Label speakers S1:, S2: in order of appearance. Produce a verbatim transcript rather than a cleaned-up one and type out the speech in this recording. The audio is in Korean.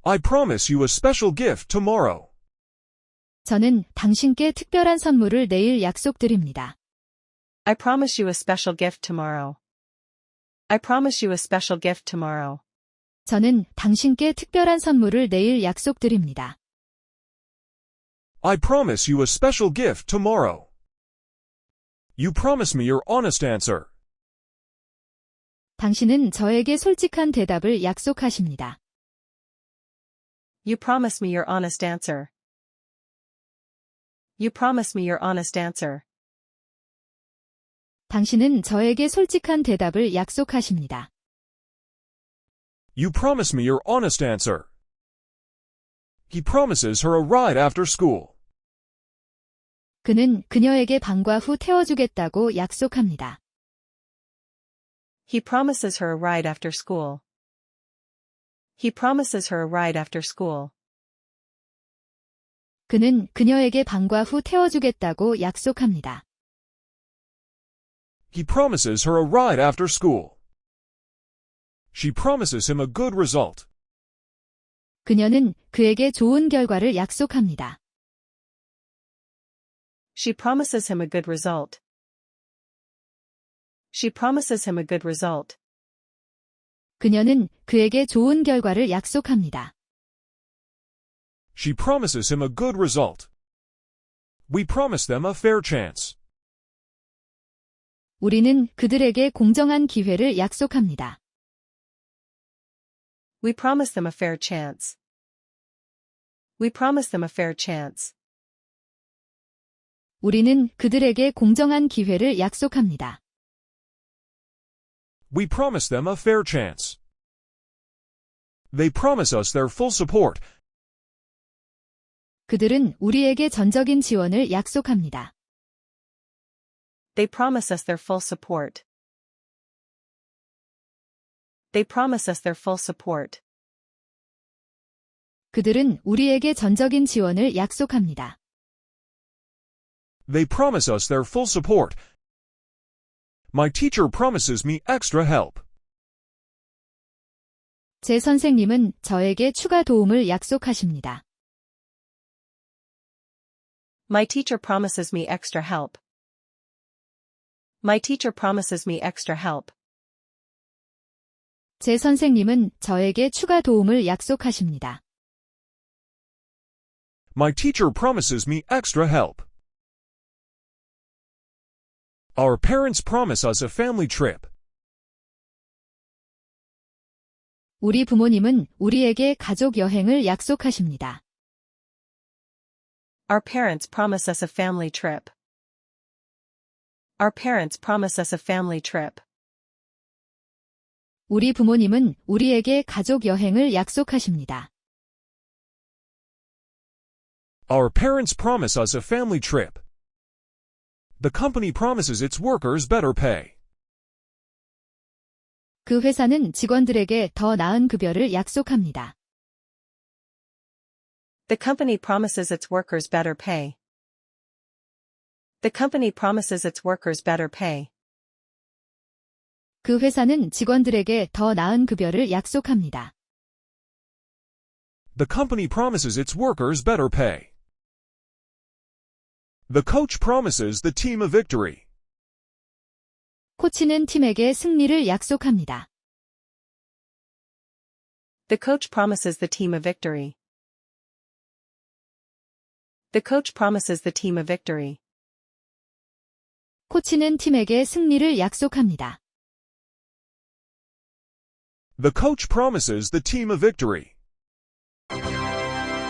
S1: I promise you a special gift tomorrow.
S2: 저는 당신께 특별한 선물을 내일 약속드립니다.
S3: I promise you a special gift tomorrow. I promise you a special gift tomorrow.
S2: 저는 당신께 특별한 선물을 내일 약속드립니다.
S1: I promise you a special gift tomorrow. You promise me your honest answer.
S2: 당신은 저에게 솔직한 대답을 약속하십니다.
S3: You promise me your honest answer. You promise me your honest answer.
S2: 당신은 저에게 솔직한 대답을 약속하십니다.
S1: You promise me your honest answer. He promises her a ride after school.
S2: 그는 그녀에게 방과 후 태워주겠다고 약속합니다.
S3: He promises her a ride after school. He promises her a ride after school.
S2: 그는 그녀에게 방과 후 태워주겠다고 약속합니다.
S1: He promises her a ride after school. She promises him a good result.
S2: 그녀는 그에게 좋은 결과를 약속합니다.
S3: She promises him a good result. She promises him a good result.
S2: 그녀는 그에게 좋은 결과를 약속합니다.
S1: She promises him a good result. We promise them a fair chance.
S2: 우리는 그들에게 공정한 기회를 약속합니다.
S3: We promise them a fair chance. We promise them a fair chance.
S2: 우리는 그들에게 공정한 기회를 약속합니다.
S1: We promise them a fair chance. They promise us their full support.
S2: 그들은 우리에게 전적인 지원을 약속합니다.
S3: They promise us their full support. They promise us their full support.
S2: 그들은 우리에게 전적인 지원을 약속합니다.
S1: They promise us their full support. My teacher promises me extra help.
S2: 제 선생님은 저에게 추가 도움을 약속하십니다.
S3: My teacher promises me extra help. My teacher promises me extra help.
S2: 제 선생님은 저에게 추가 도움을 약속하십니다.
S1: My teacher promises me extra help. Our parents promise us a family trip.
S2: 우리 부모님은 우리에게 가족 여행을 약속하십니다.
S3: Our parents promise us a family trip. Our parents promise us a family trip.
S2: 우리 부모님은 우리에게 가족 여행을 약속하십니다.
S1: Our parents promise us a family trip. The company promises its workers better pay.
S2: 그 회사는 직원들에게 더 나은 급여를 약속합니다.
S3: The company promises its workers better pay. The company promises its workers better pay.
S2: 그 회사는 직원들에게 더 나은 급여를 약속합니다.
S1: The company promises its workers better pay. The coach promises the team a victory.
S2: 코치는 팀에게 승리를 약속합니다.
S3: The coach promises the team a victory. The coach promises the team a victory.
S2: 코치는 팀에게 승리를 약속합니다.
S1: The coach promises the team a victory.